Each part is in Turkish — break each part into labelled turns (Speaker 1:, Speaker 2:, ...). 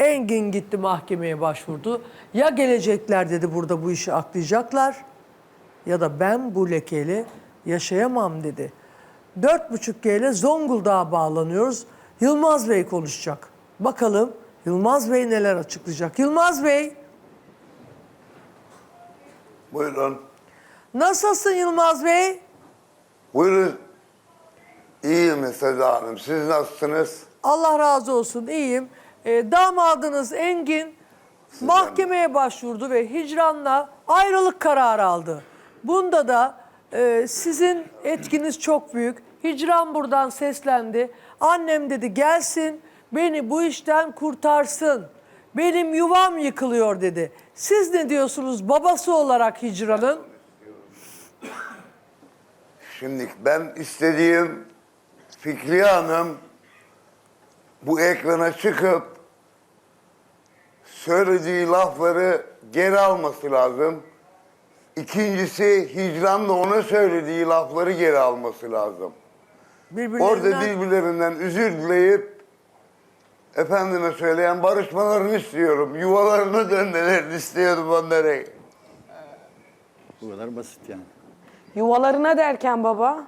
Speaker 1: Engin gitti mahkemeye başvurdu. Ya gelecekler dedi burada bu işi aklayacaklar ya da ben bu lekeyle yaşayamam dedi. 4.5G ile Zonguldak'a bağlanıyoruz. Yılmaz Bey konuşacak. Bakalım Yılmaz Bey neler açıklayacak. Yılmaz Bey.
Speaker 2: Buyurun.
Speaker 1: Nasılsın Yılmaz Bey?
Speaker 2: Buyurun. İyiyim Seda Hanım. Siz nasılsınız?
Speaker 1: Allah razı olsun, iyiyim. Damadınız Engin mahkemeye başvurdu ve hicranla ayrılık kararı aldı. Bunda da sizin etkiniz çok büyük. Hicran buradan seslendi. Annem dedi gelsin beni bu işten kurtarsın. Benim yuvam yıkılıyor dedi. Siz ne diyorsunuz babası olarak Hicran'ın?
Speaker 2: Şimdi ben istediğim Fikriye Hanım bu ekrana çıkıp söylediği lafları geri alması lazım. İkincisi Hicran da ona söylediği lafları geri alması lazım. Orada birbirlerinden özür dileyip efendime söyleyen barışmalarını istiyorum. Yuvalarına dönmelerini istiyorum onlara.
Speaker 3: Bu kadar basit yani.
Speaker 4: Yuvalarına derken baba?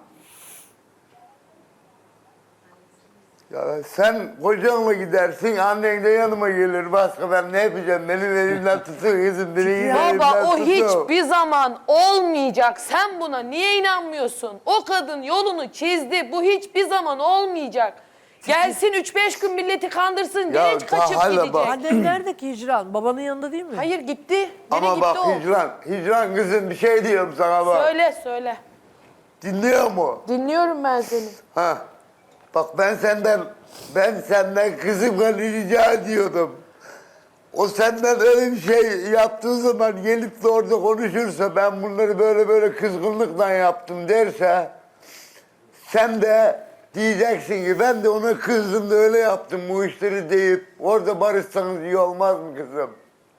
Speaker 2: Ya sen kocanla gidersin, annen de yanıma gelir. Başka ben ne yapacağım? Benim elimden tutun kızım.
Speaker 4: Baba o hiçbir zaman olmayacak. Sen buna niye inanmıyorsun? O kadın yolunu çizdi. Bu hiçbir zaman olmayacak. Gelsin 3-5 gün milleti kandırsın.
Speaker 2: Ya
Speaker 4: Genç kaçıp
Speaker 2: hala
Speaker 4: gidecek.
Speaker 2: bak.
Speaker 1: Annen nerede ki Hicran? Babanın yanında değil mi?
Speaker 4: Hayır gitti. Nereye
Speaker 2: Ama
Speaker 4: gitti
Speaker 2: bak
Speaker 4: o?
Speaker 2: Hicran kızım bir şey diyorum sana bak.
Speaker 4: Söyle.
Speaker 2: Dinliyor mu?
Speaker 4: Dinliyorum ben seni.
Speaker 2: Ha. Bak ben senden kızımla rica ediyordum. O senden öyle bir şey yaptığı zaman gelip de orada konuşursa ben bunları böyle kızgınlıkla yaptım derse sen de diyeceksin ki ben de ona kızdım da öyle yaptım bu işleri deyip orada barışsanız iyi olmaz mı kızım?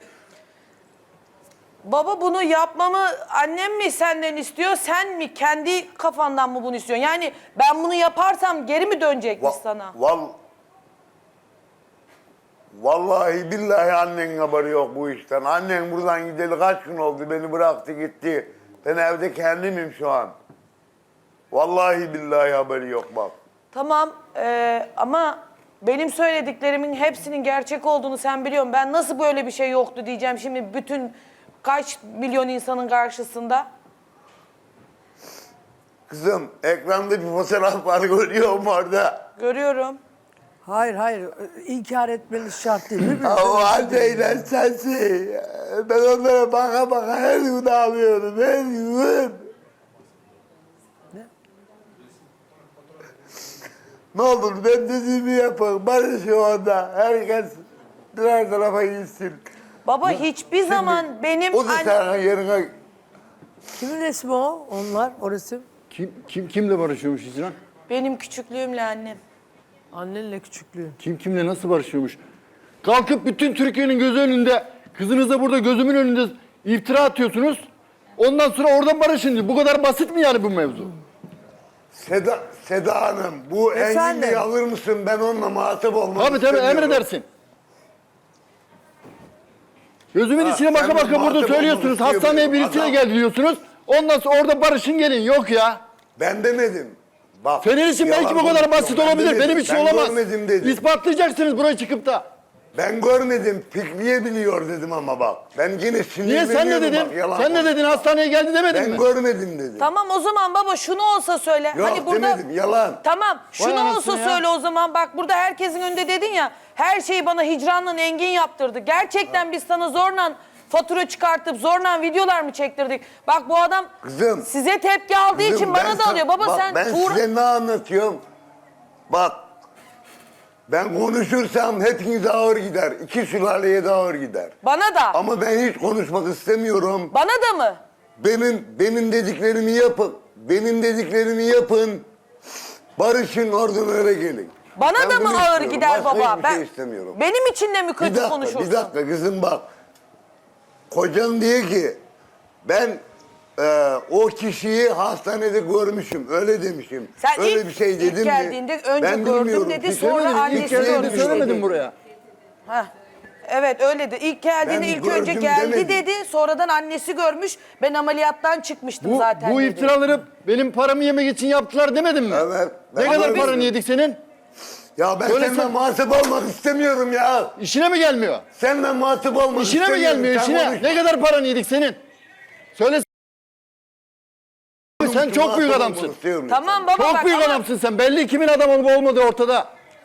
Speaker 4: Baba bunu yapmamı annem mi senden istiyor, sen mi? Kendi kafandan mı bunu istiyorsun? Yani ben bunu yaparsam geri mi dönecekmiş sana?
Speaker 2: Vallahi billahi annenin haberi yok bu işten. Annen buradan gideli kaç gün oldu beni bıraktı gitti. Ben evde kendimim şu an. Vallahi billahi haberi yok bak.
Speaker 4: Tamam ama benim söylediklerimin hepsinin gerçek olduğunu sen biliyorsun. Ben nasıl böyle bir şey yoktu diyeceğim şimdi bütün kaç milyon insanın karşısında?
Speaker 2: Kızım ekranda bir fotoğraf var görüyor musun orada?
Speaker 4: Görüyorum.
Speaker 1: Hayır. İnkar etmeniz şart değil.
Speaker 2: O anneyle sensin. Ben onlara baka her gün ağlıyorum. Her gün. Ne olur ben dediğimi yapın. Barışın orada. Herkes birer tarafa gitsin.
Speaker 4: Baba hiçbir zaman benim
Speaker 2: O da sana yerine...
Speaker 1: Kimin resmi o? Onlar, o resim.
Speaker 3: Kimle barışıyormuş Hicran?
Speaker 4: benim küçüklüğümle annem.
Speaker 1: Annenle küçüklüğün.
Speaker 3: Kimle nasıl barışıyormuş? Kalkıp bütün Türkiye'nin gözü önünde, kızınıza burada gözümün önünde iftira atıyorsunuz. Ondan sonra oradan barışın diyor. Bu kadar basit mi yani bu mevzu?
Speaker 2: Seda Hanım, bu
Speaker 1: Efendim?
Speaker 2: Engin'i alır mısın? Ben onunla muhatap olmak
Speaker 3: Tabii
Speaker 2: istemiyorum.
Speaker 3: emredersin. Gözümün içine
Speaker 2: sen
Speaker 3: baka baka burada
Speaker 2: muhatap
Speaker 3: söylüyorsunuz.
Speaker 2: olmak
Speaker 3: Hastaneye
Speaker 2: istemiyorum.
Speaker 3: birisiyle
Speaker 2: Adam-
Speaker 3: geldi diyorsunuz. Ondan sonra orada barışın gelin. Yok ya.
Speaker 2: Ben demedim. Bak,
Speaker 3: Senin için belki
Speaker 2: yalan
Speaker 3: bu kadar
Speaker 2: konuşuyorum.
Speaker 3: basit
Speaker 2: Ben
Speaker 3: olabilir.
Speaker 2: demedim.
Speaker 3: Benim için
Speaker 2: ben
Speaker 3: olamaz.
Speaker 2: görmedim dedim.
Speaker 3: İspatlayacaksınız buraya çıkıp da.
Speaker 2: Ben görmedim. Fikriye biliyor dedim ama bak. Ben yine
Speaker 3: Niye
Speaker 2: sinirleniyorum.
Speaker 3: sen ne dedin?
Speaker 2: Bak, yalan
Speaker 3: Sen ne dedin? Hastaneye geldi demedin
Speaker 2: Ben
Speaker 3: mi?
Speaker 2: görmedim dedim.
Speaker 4: Tamam o zaman baba şunu olsa söyle.
Speaker 2: Yok
Speaker 4: hani burada
Speaker 2: demedim. Yalan.
Speaker 4: Tamam şunu
Speaker 3: anasını
Speaker 4: olsa
Speaker 3: ya.
Speaker 4: söyle o zaman. Bak burada herkesin önünde dedin ya. Her şeyi bana Hicran'la Engin yaptırdı. Gerçekten biz sana zorla fatura çıkartıp zorla videolar mı çektirdik? Bak bu adam
Speaker 2: Kızım.
Speaker 4: size tepki aldığı
Speaker 2: Kızım,
Speaker 4: için
Speaker 2: ben
Speaker 4: bana da
Speaker 2: sana-
Speaker 4: alıyor. Baba
Speaker 2: bak,
Speaker 4: sen
Speaker 2: ben size ne anlatıyorum? Bak. Ben konuşursam hepiniz ağır gider. İki sülaleye de ağır gider.
Speaker 4: bana da.
Speaker 2: Ama ben hiç konuşmak istemiyorum.
Speaker 4: Bana da mı?
Speaker 2: Benim dediklerimi yapın. Benim dediklerimi yapın. Barışın oradan öyle gelin.
Speaker 4: Bana
Speaker 2: Ben
Speaker 4: da
Speaker 2: bunu
Speaker 4: mı ağır
Speaker 2: istiyorum.
Speaker 4: gider
Speaker 2: Başka
Speaker 4: baba?
Speaker 2: hiçbir şey istemiyorum.
Speaker 4: Benim için de mi kötü konuşursun?
Speaker 2: Bir dakika kızım bak. Kocan diyor ki ben o kişiyi hastanede görmüşüm. Öyle demişim.
Speaker 4: Sen
Speaker 2: öyle
Speaker 4: ilk-
Speaker 2: bir şey
Speaker 4: ilk
Speaker 2: dedim
Speaker 4: geldiğinde önce gördüm
Speaker 2: bilmiyorum.
Speaker 4: dedi,
Speaker 2: Fikri
Speaker 4: sonra
Speaker 2: demedim.
Speaker 4: annesi
Speaker 2: İlk
Speaker 4: gördü
Speaker 2: geldiğinde
Speaker 4: dedi.
Speaker 3: Söylemedim buraya.
Speaker 4: Heh.
Speaker 5: Evet öyle de. İlk geldiğinde
Speaker 2: Ben
Speaker 5: ilk önce
Speaker 2: gördüm
Speaker 5: geldi
Speaker 2: demedim.
Speaker 5: dedi. Sonradan annesi görmüş. Ben ameliyattan çıkmıştım zaten
Speaker 3: Bu
Speaker 5: dedi.
Speaker 3: iftiraları benim paramı yemek için yaptılar demedim mi?
Speaker 2: Evet,
Speaker 3: Ne
Speaker 2: ben
Speaker 3: kadar
Speaker 2: gördüm.
Speaker 3: paranı yedik senin?
Speaker 2: Ya ben
Speaker 3: Söylesene.
Speaker 2: senden muhatap olmak istemiyorum ya.
Speaker 3: İşine mi gelmiyor?
Speaker 2: Senden muhatap olmak
Speaker 3: İşine mi
Speaker 2: istemiyorum.
Speaker 3: gelmiyor
Speaker 2: Sen
Speaker 3: işine?
Speaker 2: konuş.
Speaker 3: Ne kadar paranı yedik senin? Söyle. Sen çok büyük
Speaker 2: Muhatap
Speaker 3: adamsın.
Speaker 2: olmak istiyorum.
Speaker 5: Tamam baba
Speaker 3: Çok
Speaker 5: bak
Speaker 3: büyük
Speaker 5: ama
Speaker 3: adamsın sen. Belli kimin adam olup olmadığı ortada.